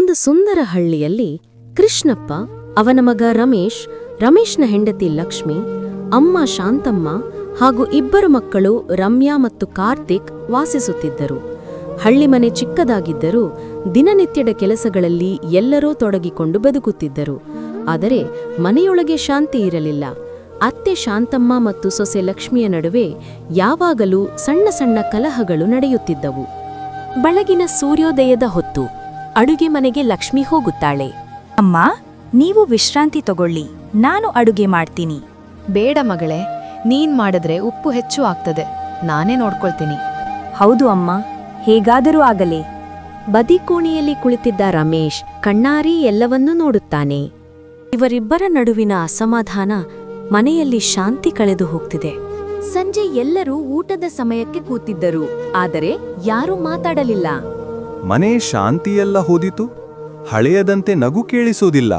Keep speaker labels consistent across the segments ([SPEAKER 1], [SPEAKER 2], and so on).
[SPEAKER 1] ಒಂದು ಸುಂದರ ಹಳ್ಳಿಯಲ್ಲಿ ಕೃಷ್ಣಪ್ಪ, ಅವನ ಮಗ ರಮೇಶ್, ರಮೇಶ್ನ ಹೆಂಡತಿ ಲಕ್ಷ್ಮಿ, ಅಮ್ಮ ಶಾಂತಮ್ಮ ಹಾಗೂ ಇಬ್ಬರು ಮಕ್ಕಳು ರಮ್ಯಾ ಮತ್ತು ಕಾರ್ತಿಕ್ ವಾಸಿಸುತ್ತಿದ್ದರು. ಹಳ್ಳಿ ಮನೆ ಚಿಕ್ಕದಾಗಿದ್ದರೂ ದಿನನಿತ್ಯದ ಕೆಲಸಗಳಲ್ಲಿ ಎಲ್ಲರೂ ತೊಡಗಿಕೊಂಡು ಬದುಕುತ್ತಿದ್ದರು. ಆದರೆ ಮನೆಯೊಳಗೆ ಶಾಂತಿ ಇರಲಿಲ್ಲ. ಅತ್ತೆ ಶಾಂತಮ್ಮ ಮತ್ತು ಸೊಸೆ ಲಕ್ಷ್ಮಿಯ ನಡುವೆ ಯಾವಾಗಲೂ ಸಣ್ಣ ಸಣ್ಣ ಕಲಹಗಳು ನಡೆಯುತ್ತಿದ್ದವು. ಬೆಳಗಿನ ಸೂರ್ಯೋದಯದ ಹೊತ್ತು ಅಡುಗೆ ಮನೆಗೆ ಲಕ್ಷ್ಮಿ ಹೋಗುತ್ತಾಳೆ.
[SPEAKER 2] ಅಮ್ಮ, ನೀವು ವಿಶ್ರಾಂತಿ ತಗೊಳ್ಳಿ, ನಾನು ಅಡುಗೆ ಮಾಡ್ತೀನಿ.
[SPEAKER 3] ಬೇಡ ಮಗಳೇ, ನೀನ್ ಮಾಡಿದ್ರೆ ಉಪ್ಪು ಹೆಚ್ಚು ಆಗ್ತದೆ, ನಾನೇ ನೋಡ್ಕೊಳ್ತೀನಿ.
[SPEAKER 2] ಹೌದು ಅಮ್ಮ, ಹೇಗಾದರೂ ಆಗಲಿ.
[SPEAKER 1] ಬದಿಕೋಣೆಯಲ್ಲಿ ಕುಳಿತಿದ್ದ ರಮೇಶ್ ಕಣ್ಣಾರಿ ಎಲ್ಲವನ್ನೂ ನೋಡುತ್ತಾನೆ. ಇವರಿಬ್ಬರ ನಡುವಿನ ಅಸಮಾಧಾನ ಮನೆಯಲ್ಲಿ ಶಾಂತಿ ಕಳೆದು ಹೋಗ್ತಿದೆ. ಸಂಜೆ ಎಲ್ಲರೂ ಊಟದ ಸಮಯಕ್ಕೆ ಕೂತಿದ್ದರು, ಆದರೆ ಯಾರೂ ಮಾತಾಡಲಿಲ್ಲ.
[SPEAKER 4] ಮನೆ ಶಾಂತಿಯೆಲ್ಲ ಹೋದಿತು, ಹಳೆಯದಂತೆ ನಗು ಕೇಳಿಸೋದಿಲ್ಲ.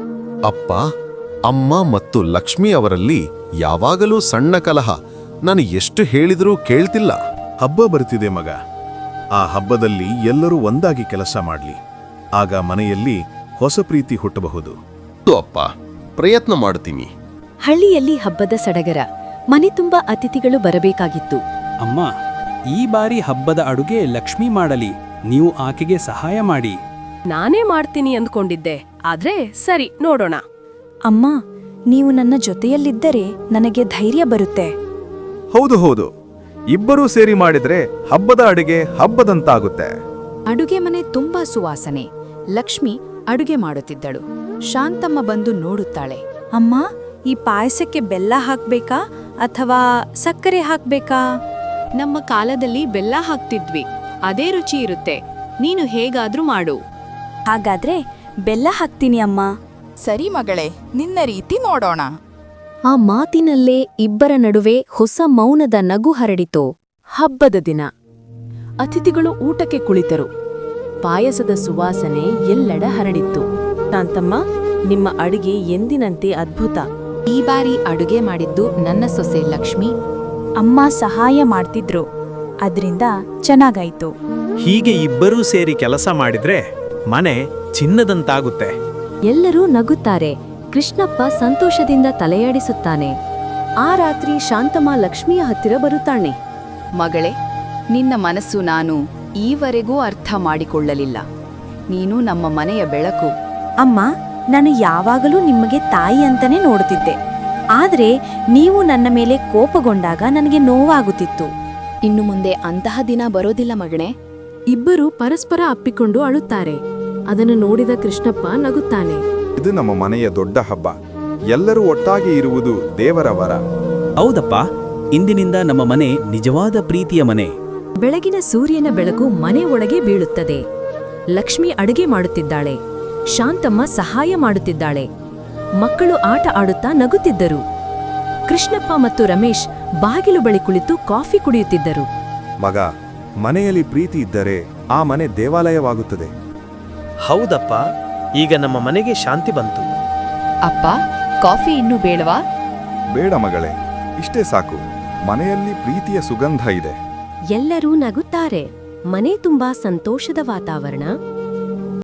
[SPEAKER 5] ಅಪ್ಪ, ಅಮ್ಮ ಮತ್ತು ಲಕ್ಷ್ಮಿ ಅವರಲ್ಲಿ ಯಾವಾಗಲೂ ಸಣ್ಣ ಕಲಹ. ನಾನು ಎಷ್ಟು ಹೇಳಿದರೂ ಕೇಳ್ತಿಲ್ಲ.
[SPEAKER 6] ಹಬ್ಬ ಬರ್ತಿದೆ ಮಗ. ಆ ಹಬ್ಬದಲ್ಲಿ ಎಲ್ಲರೂ ಒಂದಾಗಿ ಕೆಲಸ ಮಾಡ್ಲಿ, ಆಗ ಮನೆಯಲ್ಲಿ ಹೊಸ ಪ್ರೀತಿ ಹುಟ್ಟಬಹುದು.
[SPEAKER 5] ಅಪ್ಪ, ಪ್ರಯತ್ನ ಮಾಡ್ತೀನಿ.
[SPEAKER 1] ಹಳ್ಳಿಯಲ್ಲಿ ಹಬ್ಬದ ಸಡಗರ. ಮನೆ ತುಂಬ ಅತಿಥಿಗಳು ಬರಬೇಕಾಗಿತ್ತು.
[SPEAKER 7] ಅಮ್ಮ, ಈ ಬಾರಿ ಹಬ್ಬದ ಅಡುಗೆ ಲಕ್ಷ್ಮಿ ಮಾಡಲಿ, ನೀವು ಆಕೆಗೆ ಸಹಾಯ ಮಾಡಿ.
[SPEAKER 8] ನಾನೇ ಮಾಡ್ತೀನಿ ಅಂದ್ಕೊಂಡಿದ್ದೆ, ಆದ್ರೆ ಸರಿ, ನೋಡೋಣ.
[SPEAKER 2] ಅಮ್ಮ, ನೀವು ನನ್ನ ಜೊತೆಯಲ್ಲಿದ್ದರೆ ನನಗೆ ಧೈರ್ಯ ಬರುತ್ತೆ.
[SPEAKER 4] ಹೌದು ಹೌದು, ಇಬ್ಬರೂ ಸೇರಿ ಮಾಡಿದ್ರೆ ಹಬ್ಬದ ಅಡುಗೆ ಹಬ್ಬದಂತಾಗುತ್ತೆ.
[SPEAKER 3] ಅಡುಗೆ ಮನೆ ತುಂಬಾ ಸುವಾಸನೆ. ಲಕ್ಷ್ಮಿ ಅಡುಗೆ ಮಾಡುತ್ತಿದ್ದಳು. ಶಾಂತಮ್ಮ ಬಂದು ನೋಡುತ್ತಾಳೆ.
[SPEAKER 2] ಅಮ್ಮ, ಈ ಪಾಯಸಕ್ಕೆ ಬೆಲ್ಲ ಹಾಕ್ಬೇಕಾ ಅಥವಾ ಸಕ್ಕರೆ ಹಾಕ್ಬೇಕಾ?
[SPEAKER 8] ನಮ್ಮ ಕಾಲದಲ್ಲಿ ಬೆಲ್ಲ ಹಾಕ್ತಿದ್ವಿ, ಅದೇ ರುಚಿ ಇರುತ್ತೆ. ನೀನು ಹೇಗಾದ್ರೂ ಮಾಡು.
[SPEAKER 2] ಹಾಗಾದ್ರೆ ಬೆಲ್ಲ ಹಾಕ್ತೀನಿ ಅಮ್ಮ.
[SPEAKER 3] ಸರಿ ಮಗಳೇ, ನಿನ್ನ ರೀತಿ ನೋಡೋಣ.
[SPEAKER 1] ಆ ಮಾತಿನಲ್ಲೇ ಇಬ್ಬರ ನಡುವೆ ಹೊಸ ಮೌನದ ನಗು ಹರಡಿತು. ಹಬ್ಬದ ದಿನ ಅತಿಥಿಗಳು ಊಟಕ್ಕೆ ಕುಳಿತರು. ಪಾಯಸದ ಸುವಾಸನೆ ಎಲ್ಲೆಡೆ ಹರಡಿತ್ತು. ಶಾಂತಮ್ಮ, ನಿಮ್ಮ ಅಡುಗೆ ಎಂದಿನಂತೆ ಅದ್ಭುತ.
[SPEAKER 3] ಈ ಬಾರಿ ಅಡುಗೆ ಮಾಡಿದ್ದು ನನ್ನ ಸೊಸೆ ಲಕ್ಷ್ಮಿ.
[SPEAKER 2] ಅಮ್ಮ ಸಹಾಯ ಮಾಡ್ತಿದ್ರು, ಅದ್ರಿಂದ ಚೆನ್ನಾಗಾಯ್ತು.
[SPEAKER 9] ಹೀಗೆ ಇಬ್ಬರೂ ಸೇರಿ ಕೆಲಸ ಮಾಡಿದ್ರೆ ಮನೆ ಚಿನ್ನದಂತಾಗುತ್ತೆ.
[SPEAKER 1] ಎಲ್ಲರೂ ನಗುತ್ತಾರೆ. ಕೃಷ್ಣಪ್ಪ ಸಂತೋಷದಿಂದ ತಲೆಯಾಡಿಸುತ್ತಾನೆ. ಆ ರಾತ್ರಿ ಶಾಂತಮ್ಮ ಲಕ್ಷ್ಮಿಯ ಹತ್ತಿರ ಬರುತ್ತಾನೆ.
[SPEAKER 3] ಮಗಳೇ, ನಿನ್ನ ಮನಸ್ಸು ನಾನು ಈವರೆಗೂ ಅರ್ಥ ಮಾಡಿಕೊಳ್ಳಲಿಲ್ಲ. ನೀನು ನಮ್ಮ ಮನೆಯ ಬೆಳಕು.
[SPEAKER 2] ಅಮ್ಮ, ನಾನು ಯಾವಾಗಲೂ ನಿಮಗೆ ತಾಯಿ ಅಂತಾನೆ ನೋಡುತ್ತಿದ್ದೆ, ಆದ್ರೆ ನೀವು ನನ್ನ ಮೇಲೆ ಕೋಪಗೊಂಡಾಗ ನನಗೆ ನೋವಾಗುತ್ತಿತ್ತು.
[SPEAKER 3] ಇನ್ನು ಮುಂದೆ ಅಂತಹ ದಿನ ಬರೋದಿಲ್ಲ ಮಗಣೆ.
[SPEAKER 1] ಇಬ್ಬರು ಪರಸ್ಪರ ಅಪ್ಪಿಕೊಂಡು ಅಳುತ್ತಾರೆ. ಅದನ್ನು ನೋಡಿದ ಕೃಷ್ಣಪ್ಪ ನಗುತ್ತಾನೆ.
[SPEAKER 4] ಇದು ನಮ್ಮ ಮನೆಯ ದೊಡ್ಡ ಹಬ್ಬ. ಎಲ್ಲರೂ ಒಟ್ಟಾಗಿ ಇರುವುದು ದೇವರ ವರ.
[SPEAKER 7] ಹೌದಪ್ಪ, ಇಂದಿನಿಂದ ನಮ್ಮ ಮನೆ ನಿಜವಾದ ಪ್ರೀತಿಯ ಮನೆ.
[SPEAKER 1] ಬೆಳಗಿನ ಸೂರ್ಯನ ಬೆಳಕು ಮನೆ ಒಳಗೆ ಬೀಳುತ್ತದೆ. ಲಕ್ಷ್ಮಿ ಅಡುಗೆ ಮಾಡುತ್ತಿದ್ದಾಳೆ. ಶಾಂತಮ್ಮ ಸಹಾಯ ಮಾಡುತ್ತಿದ್ದಾಳೆ. ಮಕ್ಕಳು ಆಟ ಆಡುತ್ತಾ ನಗುತ್ತಿದ್ದರು. ಕೃಷ್ಣಪ್ಪ ಮತ್ತು ರಮೇಶ್ ಬಾಗಿಲು ಬಳಿ ಕುಳಿತು ಕಾಫಿ ಕುಡಿಯುತ್ತಿದ್ದರು.
[SPEAKER 4] ಮಗ, ಮನೆಯಲ್ಲಿ ಪ್ರೀತಿ ಇದ್ದರೆ ಆ ಮನೆ ದೇವಾಲಯವಾಗುತ್ತದೆ.
[SPEAKER 9] ಹೌದಪ್ಪ, ಈಗ ನಮ್ಮ ಮನೆಗೆ ಶಾಂತಿ ಬಂತು.
[SPEAKER 3] ಅಪ್ಪ, ಕಾಫಿ ಇನ್ನೂ ಬೇಡವಾ?
[SPEAKER 4] ಬೇಡ ಮಗಳೇ, ಇಷ್ಟೇ ಸಾಕು. ಮನೆಯಲ್ಲಿ ಪ್ರೀತಿಯ ಸುಗಂಧ ಇದೆ.
[SPEAKER 1] ಎಲ್ಲರೂ ನಗುತ್ತಾರೆ. ಮನೆ ತುಂಬಾ ಸಂತೋಷದ ವಾತಾವರಣ.